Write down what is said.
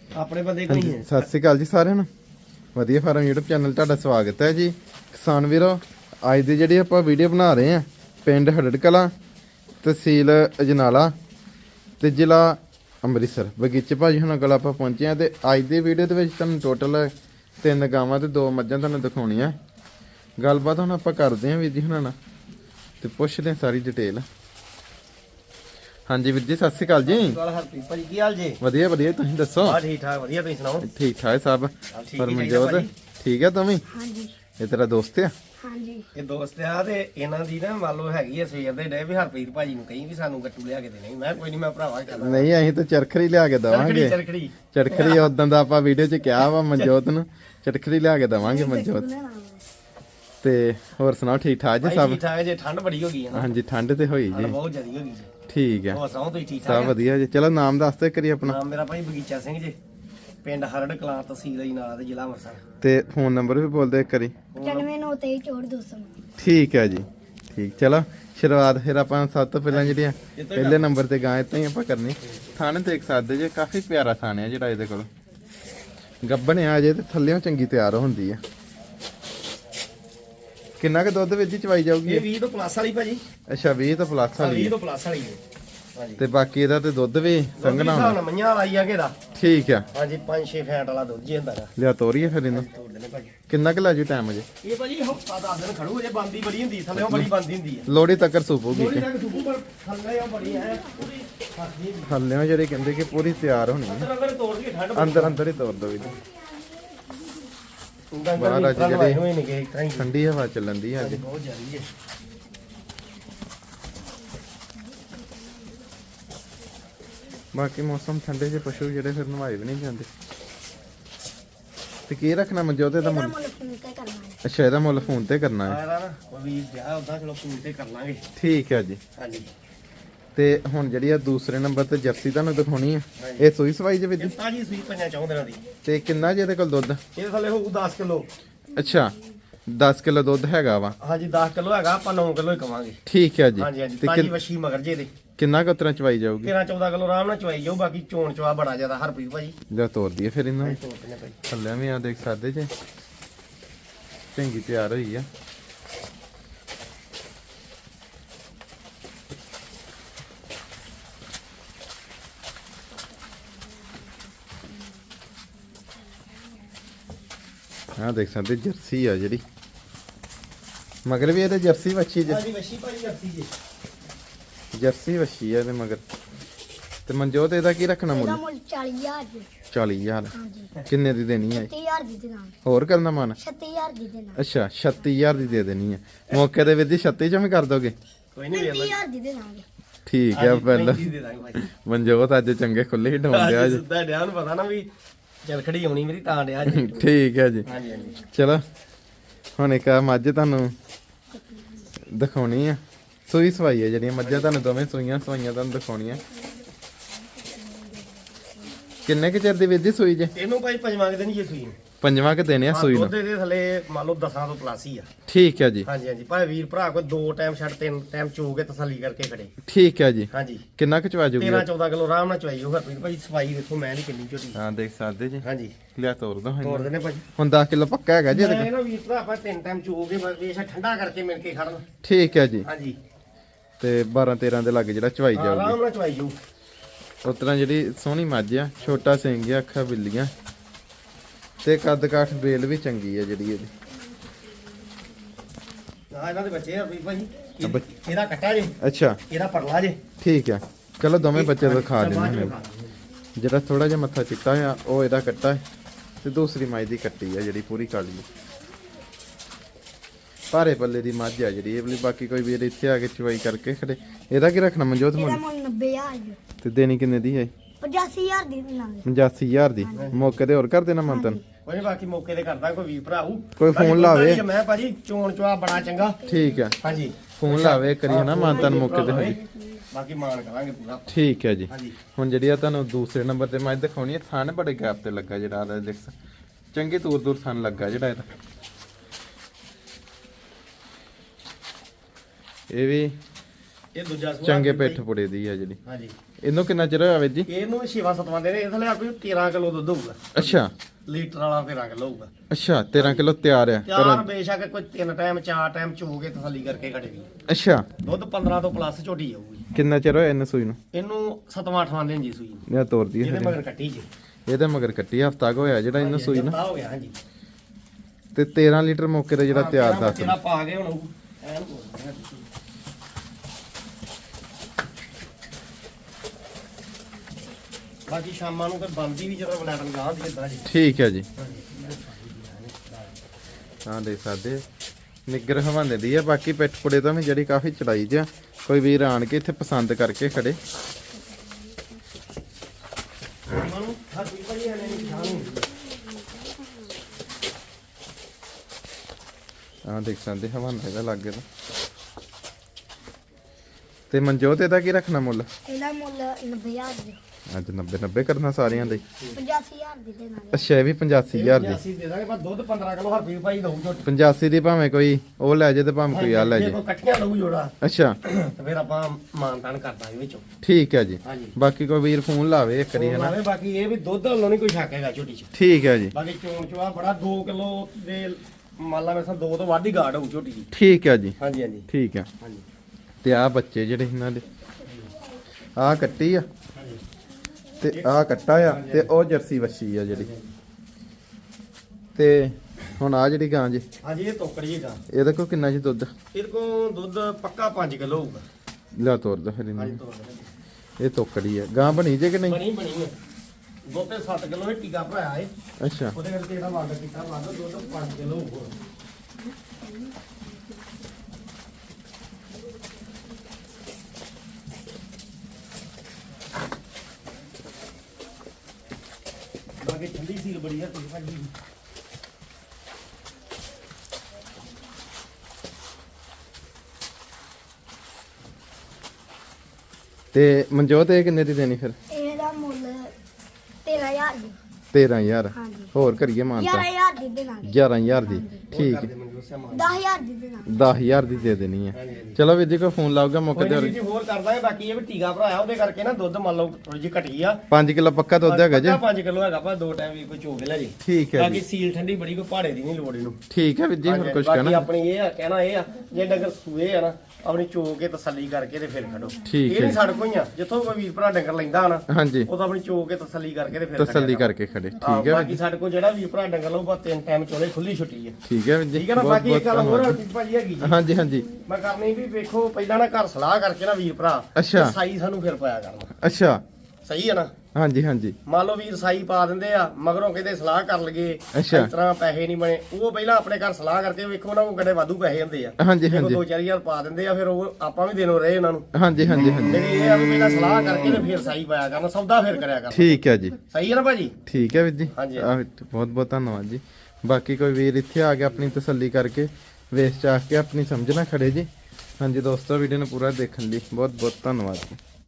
ਆਪਣੇ ਬੰਦੇ ਕੋਈ ਹੈ। ਸਤਿ ਸ੍ਰੀ ਅਕਾਲ ਜੀ ਸਾਰਿਆਂ ਨੂੰ। ਵਧੀਆ ਫਾਰਮ YouTube ਚੈਨਲ ਤੁਹਾਡਾ ਸਵਾਗਤ ਹੈ ਜੀ। ਕਿਸਾਨ ਵੀਰੋ, ਅੱਜ ਦੀ ਜਿਹੜੀ ਆਪਾਂ ਵੀਡੀਓ ਬਣਾ ਰਹੇ ਆ ਪਿੰਡ ਹੜੜ ਕਲਾਂ, ਤਹਿਸੀਲ ਅਜਨਾਲਾ ਤੇ ਜ਼ਿਲ੍ਹਾ ਅੰਮ੍ਰਿਤਸਰ। ਬਗੀਚੇ ਭਾਜੀ ਹੁਣਾਂ ਕੋਲ ਆਪਾਂ ਪਹੁੰਚੇ ਆ ਤੇ ਅੱਜ ਦੀ ਵੀਡੀਓ ਦੇ ਵਿੱਚ ਤੁਹਾਨੂੰ ਟੋਟਲ 3 ਗਾਵਾਂ ਤੇ 2 ਮੱਝਾਂ ਤੁਹਾਨੂੰ ਦਿਖਾਉਣੀਆਂ। ਗੱਲਬਾਤ ਹੁਣ ਆਪਾਂ ਕਰਦੇ ਆ ਵੀਰ ਜੀ ਹੁਣਾਂ ਨਾਲ ਤੇ ਪੁੱਛਦੇ ਆ ਸਾਰੀ ਡਿਟੇਲ। ਹਾਂਜੀ ਵੀਰ ਜੀ, ਸਤਿ ਸ੍ਰੀ ਅਕਾਲ ਜੀ। ਹਰਪ੍ਰੀਤ ਭਾਜੀ ਕੀ ਹਾਲ ਜੀ? ਵਧੀਆ ਵਧੀਆ, ਤੁਸੀਂ ਦੱਸੋ? ਹਾਂ ਠੀਕ ਠਾਕ ਵਧੀਆ, ਤੁਸੀਂ ਸੁਣਾਓ? ਠੀਕ ਠਾਕ ਸਭ। ਠੀਕ ਪਰ ਹੀ ਮਨਜੋਤ ਭਾਜੀ। ਠੀਕ ਹੈ? ਤੂੰ ਵੀ? ਹਾਂਜੀ ਇਹ ਤੇਰਾ ਦੋਸਤ ਆ? ਹਾਂਜੀ ਇਹ ਦੋਸਤ ਆ ਤੇ ਇਹਨਾਂ ਦੀ ਨਾ ਮੰਨ ਲਓ ਹੈਗੀ ਆ ਸਵੇਰ ਦੇ ਡੇ ਵੀ ਹਰਪ੍ਰੀਤ ਭਾਜੀ ਨੂੰ ਕਹੀਂ ਵੀ ਸਾਨੂੰ ਗੱਟੂ ਲਿਆ ਕੇ ਦੇਣੇ। ਮੈਂ ਕੋਈ ਨਹੀਂ, ਮੈਂ ਭਰਾਵਾ ਚੱਲਦਾ। ਨਹੀਂ, ਅਸੀਂ ਤਾਂ ਚਰਖੜੀ ਲਿਆ ਕੇ ਦਵਾਂਗੇ। ਚਰਖੜੀ ਚਰਖੜੀ ਉਦੋਂ ਦਾ ਆਪਾਂ ਵੀਡੀਓ 'ਚ ਕਿਹਾ ਵਾ ਮਨਜੋਤ ਨੂੰ, ਚਰਖੜੀ ਲਿਆ ਕੇ ਦਵਾਂਗੇ ਮਨਜੋਤ। ਤੇ ਹੋਰ ਸੁਣਾਓ, ਠੀਕ ਠਾਕ ਜੀ ਸਭ? ਠੀਕ ਠਾਕ ਜੇ, ਠੰਡ ਬੜੀ ਹੋ ਗਈ ਹੈ ਨਾ। ਹਾਂਜੀ, ਠੰਡ ਤੇ ਹੋਈ ਠੰਡ ਜੀ। ਬਹੁਤ ਜ਼ਿਆਦਾ ਹੋ ਗਈ ਜੀ। ਠੀਕ ਹੈ, ਹੋਰ ਸੁਣਾਓ ਤੁਸੀਂ ਠੀਕ ਠਾਕ? ਸਭ ਵਧੀਆ ਜੀ। ਚਲੋ ਨਾਮ ਦੱਸ ਦੇ ਕਰੀ ਆਪਣਾ। ਨਾਮ ਮੇਰਾ ਭਾਈ ਬਗੀਚਾ ਸਿੰਘ ਜੀ, ਪਿੰਡ ਹਰੜ ਕਲਾਂ, ਤਹਿਸੀਲ ਅਜਨਾਲਾ ਤੇ ਜ਼ਿਲ੍ਹਾ ਅੰਮ੍ਰਿਤਸਰ। ਤੇ ਫੋਨ ਨੰਬਰ ਵੀ ਬੋਲਦੇ ਕਰੀ। 999324 ਠੀਕ ਹੈ ਜੀ, ਠੀਕ। ਚਲੋ ਸ਼ੁਰੂਆਤ ਫਿਰ ਆਪਾਂ ਸਭ ਤੋਂ ਪਹਿਲਾਂ ਜਿਹੜੀਆਂ ਪਹਿਲੇ ਨੰਬਰ ਤੇ ਗਾਂ ਇੱਥੇ ਹੀ ਆਪਾਂ ਕਰਨੀ। ਥਣ ਦੇਖ ਸਕਦੇ ਜੇ, ਕਾਫੀ ਪਿਆਰਾ ਥਣ ਆ ਜਿਹੜਾ ਇਹਦੇ ਕੋਲ। ਗੱਭਣ ਆ ਜੇ ਤੇ ਥੱਲਿਓਂ ਚੰਗੀ ਤਿਆਰ ਹੁੰਦੀ ਆ। ਕਿੰਨਾ ਕੁ ਦੁੱਧ ਵਿੱਚ ਚਵਾਈ ਜਾਊਗੀ? ਇਹ 20 ਤੋਂ ਪਲੱਸ ਵਾਲੀ ਭਾਜੀ। ਅੱਛਾ, 20 ਤੋਂ ਪਲੱਸ ਵਾਲੀ 20 ਤੋਂ ਪਲੱਸ ਵਾਲੀ ਹੈ ਹਾਂਜੀ। ਤੇ ਬਾਕੀ ਇਹਦਾ ਤੇ ਦੁੱਧ ਵੀ ਸੰਘਣਾ ਹੋਣਾ। ਮੰਝਾਂ ਵਾਲਾ ਹੀ ਆ ਘੇਰਾ। ਠੀਕ ਆ, ਹਾਂਜੀ 5-6 ਫੈਂਟ ਵਾਲਾ ਦੁੱਧ ਜੀ ਹੁੰਦਾ ਹੈ। ਲਿਆ ਤੋਰੀਏ ਫਿਰ ਇਹਨੂੰ। ਤੋੜ ਦੇਣੇ ਭਾਜੀ। ਕਿੰਨਾ ਕੁ ਲਾਜੂ ਟਾਈਮ ਅਜੇ? ਇਹ ਭਾਜੀ ਹਫਤਾ 10 ਦਿਨ ਖੜੂ, ਜੇ ਬੰਦੀ ਬੜੀ ਹੁੰਦੀ ਥੱਲੇ ਉਹ ਬੜੀ ਬੰਦੀ ਹੁੰਦੀ ਹੈ। ਲੋੜੀ ਤੱਕ ਸੂਪੂਗੀ ਥੋੜੀ ਕਿ ਤੱਕ ਸੁਬੂ ਪਰ ਥੱਲੇ ਉਹ ਬੜੀ ਹੈ ਪੂਰੀ ਫਸਦੀ ਹੁੰਦੀ। ਥੱਲਿਓਂ ਜਿਹੜੇ ਕਹਿੰਦੇ ਕਿ ਪੂਰੀ ਤਿਆਰ ਹੋਣੀ ਆ। ਅੰਦਰ ਤੋੜ ਕੇ ਠੰਡ ਅੰਦਰ ਹੀ ਤੋੜ ਦੋ ਇਹਦੀ। ਬਾਹਰ ਬਾਹਰ ਅੱਜ ਜਿਹੜੀ ਹੋਏ ਨੇ ਕਿ ਇਤਰਾ ਹੀ ਠੰਡੀ ਹਵਾ ਚੱਲਣ ਦੀ ਅੱਜ। ਬਹੁਤ ਜ਼ਿਆਦੀ ਹੈ। ਬਾਕੀ ਮੌਸਮ ਠੰਡੇ ਜਿਹੇ ਪਸ਼ੂ ਜਿਹੜੇ ਫਿਰ ਨਵਾਏ ਵੀ ਨਹੀਂ ਜਾਂਦੇ। ਤੇ ਕੀ ਰੱਖਣਾ ਮਨਜੋਤ ਇਹਦਾ ਮੁੱਲ? ਮੁੱਲ ਫੋਨ ਤੇ ਕਰਨਾ ਹੈ। ਅੱਛਾ, ਇਹਦਾ ਮੁੱਲ ਫੋਨ ਤੇ ਕਰਨਾ ਹੈ। ਆਇਆ ਨਾ ਉਹ ਵੀ ਵਿਆਹ ਉਦਾਂ ਚਲੋ ਫੋਨ ਤੇ ਕਰ ਲਾਂਗੇ। ਠੀਕ ਹੈ ਜੀ। ਹਾਂਜੀ ਤੇ ਹੁਣ ਜਿਹੜੀ ਆ ਦੂਸਰੇ ਨੰਬਰ ਤੇ ਜਰਸੀ ਤੁਹਾਨੂੰ ਦਿਖਾਉਣੀ ਆ, ਇਹ ਸੂਈ ਸਵਾਈ ਜੇ ਵਿੱਚ? ਇਹ ਤਾਜੀ ਸੂਈ ਪੰਜਾਂ ਚੌਂ ਦਿਨਾਂ ਦੀ। ਤੇ ਕਿੰਨਾ ਜੀ ਇਹਦੇ ਕੋਲ ਦੁੱਧ? ਇਹਦੇ ਥੱਲੇ ਹੋਊ 10 ਕਿਲੋ। ਅੱਛਾ, 10 ਕਿਲੋ ਦੁੱਧ ਹੈਗਾ ਵਾ। ਹਾਂਜੀ 10 ਕਿਲੋ ਹੈਗਾ, ਆਪਾਂ 9 ਕਿਲੋ ਹੀ ਕਵਾਂਗੇ। ਠੀਕ ਹੈ ਜੀ। ਹਾਂਜੀ ਹਾਂਜੀ ਤੇ ਤਾਜੀ ਵਸ਼ੀ ਮਗਰ ਜੇ ਦੇ ਕਿੰਨਾ ਕੁ ਉਤਰਾਂ ਚਵਾਈ ਜਾਊਗੀ? 13-14 ਕਿਲੋ ਆਰਾਮ ਨਾਲ ਚਵਾਈ ਜਾਊ। ਬਾਕੀ ਚੋਣ ਚਵਾ ਬੜਾ ਜ਼ਿਆਦਾ ਹਰਪ੍ਰੀਤ ਭਾਜੀ। ਲੈ ਤੋਰ ਦਈਏ ਫਿਰ ਇਹਨਾਂ ਨੂੰ। ਤੋੜ ਦਿੰਦੇ ਭਾਈ। ਥੱਲੇ ਵੀ ਆ ਦੇਖ ਸਕਦੇ ਜੇ, ਚੰਗੀ ਤਿਆਰ ਹੋਈ ਆ। ਆ ਦੇਖ ਸਕਦੇ ਜਰਸੀ ਆ ਜਿਹੜੀ ਮਗਰ ਵੀ ਇਹਦੇ ਜਰਸੀ ਵੱਛੀ ਜੇ। ਹਾਂਜੀ ਵਸ਼ੀ ਭਾਜੀ ਜਰਸੀ ਜੀ। ਜਰਸੀ ਵੱਛੀ ਆ ਇਹਦੇ ਮਗਰ। ਤੇ ਮਨਜੋਤ ਇਹਦਾ ਕੀ ਰੱਖਣਾ ਇਹਦਾ ਮੁੱਲ? ਮੁੱਲ 40000 ਜੀ। 40000 ਹਾਂਜੀ ਕਿੰਨੇ ਦੀ ਦੇਣੀ ਹੈ? 30000 ਦੀ ਦੇਣਾ। ਹੋਰ ਕਰਨਾ ਮਨ? 36000 ਦੀ ਦੇਣਾ। ਅੱਛਾ, 36000 ਦੀ ਦੇ ਦੇਣੀ ਹੈ। ਮੌਕੇ ਦੇ ਵਿੱਚ 36 ਚੋਂ ਵੀ ਕਰ ਦੋਗੇ? ਕੋਈ ਨਹੀਂ ਵੇਖ ਲੈ। 30000 ਦੀ ਦੇਣਾਗੇ। ਠੀਕ ਹੈ। ਪਹਿਲਾਂ ਦੇ ਦਾਂਗੇ ਭਾਜੀ। ਮਨਜੋਤ ਅੱਜ ਚੰਗੇ ਖੁੱਲੇ ਹੀ ਢਾਉਂਦੇ ਅੱਜ। ਸਿੱਧਾ ਡਿਆ ਨੂੰ ਪਤਾ ਨਾ ਵੀ ਚਰਖੜੀ ਆਉਣੀ ਮੇਰੀ ਤਾਂ ਡਿਆ ਜੀ। ਠੀਕ ਹੈ ਜੀ। ਹਾਂਜੀ ਹਾਂਜੀ ਚਲੋ ਹੁਣ ਇੱਕ ਆ ਮੱਝ ਤੁਹਾਨੂੰ ਦਿਖਾਉਣੀ ਆ। ਸੂਈ ਸਵਾਈ ਹੈ ਜਿਹੜੀਆਂ ਮੱਝਾਂ ਤੁਹਾਨੂੰ ਦੋਵੇਂ ਸੂਈਆਂ ਸਵਾਈਆਂ ਤੁਹਾਨੂੰ ਦਿਖਾਉਣੀਆਂ। ਕਿੰਨੇ ਕੁ ਚਿਰ ਦੀ ਵੀਰ ਜੀ ਸੂਈ ਜੇ? ਇਹਨੂੰ ਭਾਈ ਪੰਜਵਾਂ ਦਿਨ ਹੀ ਸੂਈ ਨੂੰ। ਪੰਜਵਾਂ ਕਿ ਦਿਨ ਆ ਸੂਈ ਨੂੰ? ਦੁੱਧ ਦੇ ਥੱਲੇ ਮੰਨ ਲਓ 10 ਤੋਂ ਪਲੱਸ ਹੀ ਆ। ਠੀਕ ਹੈ ਜੀ। ਹਾਂਜੀ ਹਾਂਜੀ ਭਾਵੇਂ ਵੀਰ ਭਰਾ ਕੋਈ 2 ਟਾਈਮ ਛੱਡ 3 ਟਾਈਮ ਚੋ ਕੇ ਤਸੱਲੀ ਕਰਕੇ ਖੜੇ। ਠੀਕ ਹੈ ਜੀ। ਹਾਂਜੀ ਕਿੰਨਾ ਕੁ ਚਵਾ ਜੂਗੀ? 13-14 ਕਿਲੋ ਆਰਾਮ ਨਾਲ ਚਵਾਈ ਉਹ ਹਰਪ੍ਰੀਤ ਭਾਜੀ। ਸਫਾਈ ਵੇਖੋ ਮੈਂ ਨਹੀਂ ਕਿੰਨੀ ਝੋਟੀ। ਹਾਂ ਦੇਖ ਸਕਦੇ ਜੀ। ਹਾਂਜੀ ਲਿਆ ਤੋਰ ਦੋ ਤੋੜ ਦੇਣੇ ਭਾਜੀ। ਹੁਣ 10 ਕਿਲੋ ਪੱਕਾ ਹੈਗਾ ਜੀ ਇਹਦੇ ਕੋਲ? ਮੈਂ ਨਾ ਵੀਰ ਭਰਾ ਆਪਾਂ 3 ਟਾਈਮ ਚੋ ਕੇ ਬੇਸ਼ੱਕ ਠੰਡਾ ਕਰਕੇ ਮਿਲ ਕੇ ਖੜਨ। ਠੀਕ ਹੈ ਜੀ। ਹਾਂਜੀ ਤੇ 12-13 ਦੇ ਲੱਗੇ ਜਿਹੜਾ ਚਵਾਈ ਜਾਊਗੀ। ਆਰਾਮ ਨਾਲ ਚਵਾਈ ਜਾਊ। ਉਸ ਤਰ੍ਹਾਂ ਜਿਹੜੀ ਸੋਹਣੀ ਮੱਝ ਆ, ਛੋਟਾ ਸਿੰਘ ਆ, ਅੱਖਾਂ ਬਿੱਲੀਆਂ ਤੇ ਕੱਦ ਕਾਠ ਬੇਲ ਵੀ ਚੰਗੀ ਆ ਜਿਹੜੀ ਇਹਦੀ। ਆ ਇਹਨਾਂ ਦੇ ਬੱਚੇ ਆ ਹਰਪ੍ਰੀਤ ਭਾਜੀ। ਬੱਚ- ਇਹਦਾ ਕੱਟਾ ਜੇ, ਅੱਛਾ ਇਹਦਾ ਪਰਲਾ ਜੇ। ਠੀਕ ਆ। ਚਲੋ ਦੋਵੇਂ ਬੱਚੇ ਦਿਖਾ ਬਾਅਦ ਦਿੰਦੇ ਚ ਨੇ। ਵਿਖਾ ਦਿੰਦੇ। ਜਿਹੜਾ ਥੋੜਾ ਜਿਹਾ ਮੱਥਾ ਚਿੱਟਾ ਆ ਉਹ ਇਹਦਾ ਕੱਟਾ ਹੈ ਤੇ ਦੂਸਰੀ ਮੱਝ ਦੀ ਕੱਟੀ ਆ ਜਿਹੜੀ ਪੂਰੀ ਕਾਲੀ ਆ। ਭਾਰੇ ਪੱਲੇ ਦੀ ਮੱਝ ਆ ਜਿਹੜੀ ਇਹ ਵਾਲੀ। ਬਾਕੀ ਕੋਈ ਵੀਰ ਇੱਥੇ ਆ ਕੇ ਚਵਾਈ ਕਰਕੇ ਖੜੇ। ਇਹਦਾ ਕੀ ਰੱਖਣਾ ਮਨਜੋਤ ਇਹਦਾ ਮੁੱਲ? ਮੁੱਲ 90000 ਜੀ। ਤੇ ਦੇਣੀ ਕਿੰਨੇ ਦੀ ਹੈ? 85000 ਦੀ ਦੇਣਾਗੇ। 85000 ਦੀ। ਮੌਕੇ ਤੇ ਹੋਰ ਕਰ ਦੇਣਾ ਮੰਤਨ? ਕੋਈ ਨੀ, ਬਾਕੀ ਮੌਕੇ ਤੇ ਕਰਦਾ ਕੋਈ ਵੀਰ ਭਰਾਊ। ਕੋਈ ਫੋਨ ਲਾਵੇ। ਮੈਂ ਭਾਜੀ ਚੋਣ ਚਵਾ ਬੜਾ ਚੰਗਾ। ਠੀਕ ਆ, ਹਾਂਜੀ ਫੋਨ ਲਾਵੇ ਕਰੀ ਹਨਾ ਮੰਤਨ ਮੌਕੇ ਤੇ ਹੋਈ। ਬਾਕੀ ਮਾਨ ਕਰਾਂਗੇ ਪੂਰਾ। ਠੀਕ ਹੈ ਜੀ। ਹਾਂਜੀ ਹੁਣ ਜਿਹੜੀ ਆ ਤੁਹਾਨੂੰ ਦੂਸਰੇ ਨੰਬਰ ਤੇ ਮੈਂ ਦਿਖਾਉਣੀ ਹੈ। ਥਣ ਬੜੇ ਗੈਪ ਤੇ ਲੱਗਾ ਜਿਹੜਾ ਆ ਦੇਖ ਚੰਗੀ ਦੂਰ ਥਣ ਲੱਗਾ ਜਿਹੜਾ ਇਹਦਾ। ਇਹ ਵੀ ਇਹ ਦੂਜਾ ਸੂਆ ਚੰਗੇ ਪਿੱਠ ਪੁੜੇ ਦੀ ਆ ਜਿਹੜੀ। ਹਾਂਜੀ ਇਹਨੂੰ ਕਿੰਨਾ ਚਿਰ ਹੋਇਆ ਵੀਰ ਜੀ? ਇਹਨੂੰ 6-7 ਦਿਨ ਇਹ ਥਲੇ ਕੋਈ 13 ਕਿਲੋ ਦੁੱਧ ਹੋਊਗਾ। ਅੱਛਾ ਲੀਟਰ ਵਾਲਾ 13 ਕਿਲੋ ਹੋਊਗਾ। ਅੱਛਾ 13 ਕਿਲੋ ਤਿਆਰ ਆ ਚਾਰ ਬੇਸ਼ੱਕ ਕੋਈ 3 ਟਾਈਮ 4 ਟਾਈਮ ਚੋ ਕੇ ਤਸੱਲੀ ਕਰਕੇ ਖੜੇ ਵੀ। ਅੱਛਾ ਦੁੱਧ 15 ਤੋਂ ਪਲੱਸ ਝੋਟੀ ਆਊਗੀ। ਕਿੰਨਾ ਚਿਰ ਹੋਇਆ ਇਹਨੂੰ ਸੂਈ ਨੂੰ? ਇਹਨੂੰ 7ਵਾਂ-8ਵਾਂ ਦਿਨ ਜੀ ਸੂਈ ਨੂੰ। ਇਹ ਤੋਰਦੀ ਇਹਦੇ ਹੈ ਮਗਰ ਕੱਟੀ ਜੀ। ਇਹਦੇ ਮਗਰ ਕੱਟੀ ਹਫਤਾ ਕੁ ਹੋਇਆ ਜਿਹੜਾ ਇਹਨੂੰ ਸੂਈ ਨੂੰ, ਜੱਤਾ ਹੋ ਗਿਆ ਹਾਂਜੀ। ਤੇ 13 ਲੀਟਰ ਮੌਕੇ ਤੇ ਜਿਹੜਾ ਤਿਆਰ ਦੱਸ ਤੇਰਾ ਪਾ ਕੇ ਹੁਣ ਉਹ ਐਨ ਬੋਲਦੇ ਆ ਤੁਸੀਂ। ਬਾਕੀ ਸ਼ਾਮਾਂ ਨੂੰ ਫਿਰ ਬੰਦੀ ਵੀ ਜਦੋਂ ਬਲੈਟਨ ਗਾਂ ਦੀ ਇਦਾਂ ਜੀ। ਠੀਕ ਹੈ ਜੀ। ਹਾਂ ਦੇ ਸਕਦੇ ਨਿੱਗਰ ਹਵਾਨੇ ਦੀ ਆ। ਬਾਕੀ ਪਿੱਠ ਪੁੜੇ ਤੋਂ ਵੀ ਜਿਹੜੀ ਕਾਫੀ ਚੜਾਈ ਦੀ ਆ। ਕੋਈ ਵੀਰ ਆਣ ਕੇ ਇੱਥੇ ਪਸੰਦ ਕਰਕੇ ਖੜੇ। ਸ਼ਾਮਾਂ ਨੂੰ ਹਰ ਕੋਈ ਭਾਜੀ ਹਲੇ ਨਹੀਂ ਖਾਣੀ। ਆਹ ਦੇਖ ਸਕਦੇ ਹਵਾਨਾ ਇਹਦਾ ਲੱਗੇ ਤਾਂ। ਤੇ ਮਨਜੋਤ ਇਹਦਾ ਕੀ ਰੱਖਣਾ ਮੁੱਲ? ਇਹਦਾ ਮੁੱਲ 90,000 ਦੀ। ਅੱਜ 90 ਕਰਨਾ ਸਾਰਿਆਂ ਦੇ। 85,000 ਦੀ ਦੇਣਾ ਅੱਛਾ ਇਹ ਵੀ 85,000 ਦੀ। ਅਸੀਂ ਦੇ ਦਾਂਗੇ ਪਰ ਦੁੱਧ 15 ਕਿਲੋ ਹਰ ਕੋਈ ਭਾਈ ਦਊ ਝੋਟੀ। 85 ਦੀ ਭਾਵੇਂ ਕੋਈ ਉਹ ਲੈ ਜੇ ਤੇ ਭਾਵੇਂ ਕੋਈ ਆ ਲੈ ਜੇ ਜੇ। ਕੋਈ ਕੱਟੀਆਂ ਲਊ ਜੋੜਾ ਅੱਛਾ ਤੇ ਫਿਰ ਆਪਾਂ ਮਾਨਤਾਨ ਕਰ ਦਾਂਗੇ ਵਿੱਚੋਂ। ਠੀਕ ਹੈ ਜੀ। ਹਾਂਜੀ। ਬਾਕੀ ਕੋਈ ਵੀਰ ਫੋਨ ਲਾਵੇ ਇੱਕ ਵਾਰੀ ਹਨਾ। ਨਾਲੇ ਬਾਕੀ ਇਹ ਵੀ ਦੁੱਧ ਵੱਲੋਂ ਨਹੀਂ ਕੋਈ ਸ਼ੱਕ ਹੈਗਾ ਝੋਟੀ 'ਚ। ਠੀਕ ਹੈ ਜੀ। ਬਾਕੀ ਚੋਣ ਚਵਾ ਬੜਾ 2 ਕਿਲੋ ਦੇ ਮੰਨ ਲਾ ਮੇਰੇ 2 ਤੋਂ ਵੱਧ ਹੀ ਗਾੜ ਹੋਊ ਝੋਟੀ ਦੀ। ਠੀਕ ਹੈ ਜੀ। ਹਾਂਜੀ ਹਾਂਜੀ ਠੀਕ ਹੈ। ਹਾਂਜੀ ਤੇ ਆ ਬੱਚੇ ਜਿਹੜੇ ਇਹਨਾਂ ਦੇ ਆ ਕੱਟੀ ਆ ਹਾਂਜੀ ਤੇ ਆ ਕੱਟਾ ਆ ਤੇ ਉਹ ਜਰਸੀ ਵੱਛੀ ਆ ਜਿਹੜੀ। ਤੇ ਹੁਣ ਆ ਜਿਹੜੀ ਗਾਂ ਜੀ ਹਾਂਜੀ ਇਹ ਤੋਕੜੀ ਹੈਗਾ। ਇਹਦੇ ਕੋਲ ਕਿੰਨਾ ਜੀ ਦੁੱਧ? ਇਹਦੇ ਕੋਲ ਦੁੱਧ ਪੱਕਾ 5 ਕਿਲੋ ਹੋਊਗਾ। ਲਿਆ ਤੋਰ ਦੋ ਫਿਰ ਹਾਂਜੀ ਇਹਨੂੰ। ਤੋਰ ਇਹ ਤੋਕੜੀ ਆ। ਗਾਂ ਬਣੀ ਜੇ ਕਿ ਨਹੀਂ? ਬਣੀ ਹੈ। ਦੁੱਧ ਤੇ 7 ਕਿਲੋ ਇਹ ਟੀਕਾ ਭਰਾਇਆ ਏ। ਅੱਛਾ ਉਹਦੇ ਕਰਕੇ ਇਹਦਾ ਵੰਡ ਕੀਤਾ ਵੰਡ ਦੁੱਧ 5 ਕਿਲੋ ਹੋਊਗਾ। ਬਾਕੀ ਠੰਡੀ ਸੀਲ ਬੜੀ ਹੈ ਤੁਸੀਂ ਭਾਜੀ। ਤੇ ਮਨਜੋਤ ਇਹ ਕਿੰਨੇ ਦੀ ਦੇਣੀ ਫਿਰ? ਇਹਦਾ ਮੁੱਲ 13,000 ਦੀ। 13,000 ਹਾਂਜੀ। ਹੋਰ ਕਰੀਏ ਮਾਨਤਾ? 11,000 ਦੀ ਦੇਣਾਗੇ। 11,000 ਦੀ। ਠੀਕ ਹੈ। 10,000 ਦੀ ਦੇਣਾਗੇ। 10,000 ਦੀ ਦੇ ਦੇਣੀ ਹੈ। ਚਲੋ ਵੀਰ ਜੀ ਕੋਈ ਫੋਨ ਲਾਊਗਾ ਮੌਕੇ ਤੇ। ਕੋਈ ਜੀ ਹੋਰ ਕਰ ਦਾਂਗੇ। ਬਾਕੀ ਇਹ ਵੀ ਟੀਕਾ ਭਰਾਇਆ ਉਹਦੇ ਕਰਕੇ ਨਾ ਦੁੱਧ ਮੰਨ ਲਓ ਥੋੜੀ ਜਿਹੀ ਘਟੀ ਆ। 5 ਕਿਲੋ ਪੱਕਾ ਦੁੱਧ ਹੈਗਾ ਜੀ। 5 ਕਿਲੋ ਹੈਗਾ ਪਰ 2 ਟਾਈਮ ਵੀ ਕੋਈ ਚੋ ਕੇ ਲੈ ਜੀ। ਠੀਕ ਹੈ ਬਾਕੀ ਜੀ। ਸੀਲ ਠੰਡੀ ਬੜੀ ਕੋਈ ਪਹਾੜੇ ਦੀ ਨਹੀਂ ਲੋੜ ਇਹਨੂੰ। ਠੀਕ ਹੈ ਵੀਰ ਜੀ। ਹੋਰ ਕੁਝ ਬਾਕੀ ਕਹਿਣਾ? ਆਪਣੀ ਇਹ ਆ ਕਹਿਣਾ ਇਹ ਆ ਜੇ ਡੰਗਰ ਸੂਏ ਆ ਨਾ ਆਪਣੀ ਚੋ ਕੇ ਤਸੱਲੀ ਕਰਕੇ ਤੇ ਫਿਰ ਖੜੋ। ਠੀਕ ਇਹ ਹੈ ਨਹੀਂ ਸਾਡੇ ਕੋਈ ਆ ਜਿੱਥੋਂ ਕੋਈ ਵੀਰ ਭਰਾ ਡੰਗਰ ਲੈਂਦਾ ਨਾ ਹਾਂਜੀ ਉਹ ਤਾਂ ਆਪਣੀ ਚੋ ਕੇ ਤਸੱਲੀ ਕਰਕੇ ਤੇ ਫਿਰ ਤਸੱਲੀ ਕਰਕੇ ਖੜੇ। ਠੀਕ ਹੈ ਵੀਰ ਬਾਕੀ ਜੀ। ਸਾਡੇ ਕੋਲ ਜਿਹੜਾ ਵੀਰ ਭਰਾ ਡੰਗਰ ਲਊਗਾ 3 ਟਾਈਮ ਚੋਲੇ ਖੁੱਲੀ ਛੁੱਟੀ ਹੈ। ਠੀਕ ਹੈ ਵੀਰ ਜੀ। ਠੀਕ ਹੈ ਨਾ। ਬਹੁਤ ਬਾਕੀ ਇੱਕ ਗੱਲ ਹੋਰ ਧੰਨਵਾਦ। ਭਾਜੀ ਹੈਗੀ ਜੀ ਹਾਂਜੀ ਹਾਂਜੀ। ਮੈਂ ਕਰਨੀ ਵੀ ਵੇਖੋ ਪਹਿਲਾਂ ਨਾ ਘਰ ਸਲਾਹ ਕਰਕੇ ਨਾ ਵੀਰ ਭਰਾ ਅੱਛਾ। ਤੇ ਸਾਈ ਸਾਨੂੰ ਫਿਰ ਪਾਇਆ ਕਰਨਾ। ਅੱਛਾ ਸਹੀ ਹੈ ਨਾ। ਹਾਂਜੀ ਹਾਂਜੀ। ਮੰਨ ਲਓ ਵੀਰ ਸਾਈ ਪਾ ਦਿੰਦੇ ਆ ਮਗਰੋਂ ਕਹਿੰਦੇ ਸਲਾਹ ਕਰ ਲਈਏ ਅੱਛਾ। ਇਸ ਤਰ੍ਹਾਂ ਪੈਸੇ ਨਹੀਂ ਬਣੇ। ਉਹ ਪਹਿਲਾਂ ਆਪਣੇ ਘਰ ਸਲਾਹ ਕਰਕੇ ਵੇਖੋ ਨਾ ਉਹ ਕਿਹੜੇ ਵਾਧੂ ਪੈਸੇ ਹੁੰਦੇ ਆ। ਹਾਂਜੀ ਜੇ ਹਾਂਜੀ। 2-4 ਪਾ ਦਿੰਦੇ ਆ ਫਿਰ ਉਹ ਆਪਾਂ ਵੀ ਦੇਣੋਂ ਰਹੇ ਉਹਨਾਂ ਨੂੰ। ਹਾਂਜੀ ਹਾਂਜੀ ਹਾਂਜੀ। ਜਿਹੜੀ ਇਹ ਆ ਵੀ ਪਹਿਲਾਂ ਸਲਾਹ ਕਰਕੇ ਤੇ ਫਿਰ ਸਾਈ ਪਾਇਆ ਕਰਨਾ ਸੌਦਾ ਫਿਰ ਕਰਿਆ ਕਰਨਾ। ਠੀਕ ਹੈ ਜੀ। ਸਹੀ ਹੈ ਨਾ ਭਾਜੀ। ਠੀਕ ਹੈ ਵੀਰ ਜੀ। ਹਾਂਜੀ। ਬਹੁਤ ਬਹੁਤ ਧੰਨਵਾਦ ਜੀ। ਬਾਕੀ ਕੋਈ ਵੀਰ ਇੱਥੇ ਆ ਕੇ ਆਪਣੀ ਤਸੱਲੀ ਕਰਕੇ ਵੇਚ ਚਾਖ ਕੇ ਆਪਣੀ ਸਮਝਣਾ ਖੜੇ ਜੀ। ਹਾਂਜੀ ਦੋਸਤੋ ਵੀਡੀਓ ਨੂੰ ਪੂਰਾ ਦੇਖਣ ਲਈ ਬਹੁਤ ਬਹੁਤ ਧੰਨਵਾਦ ਜੀ।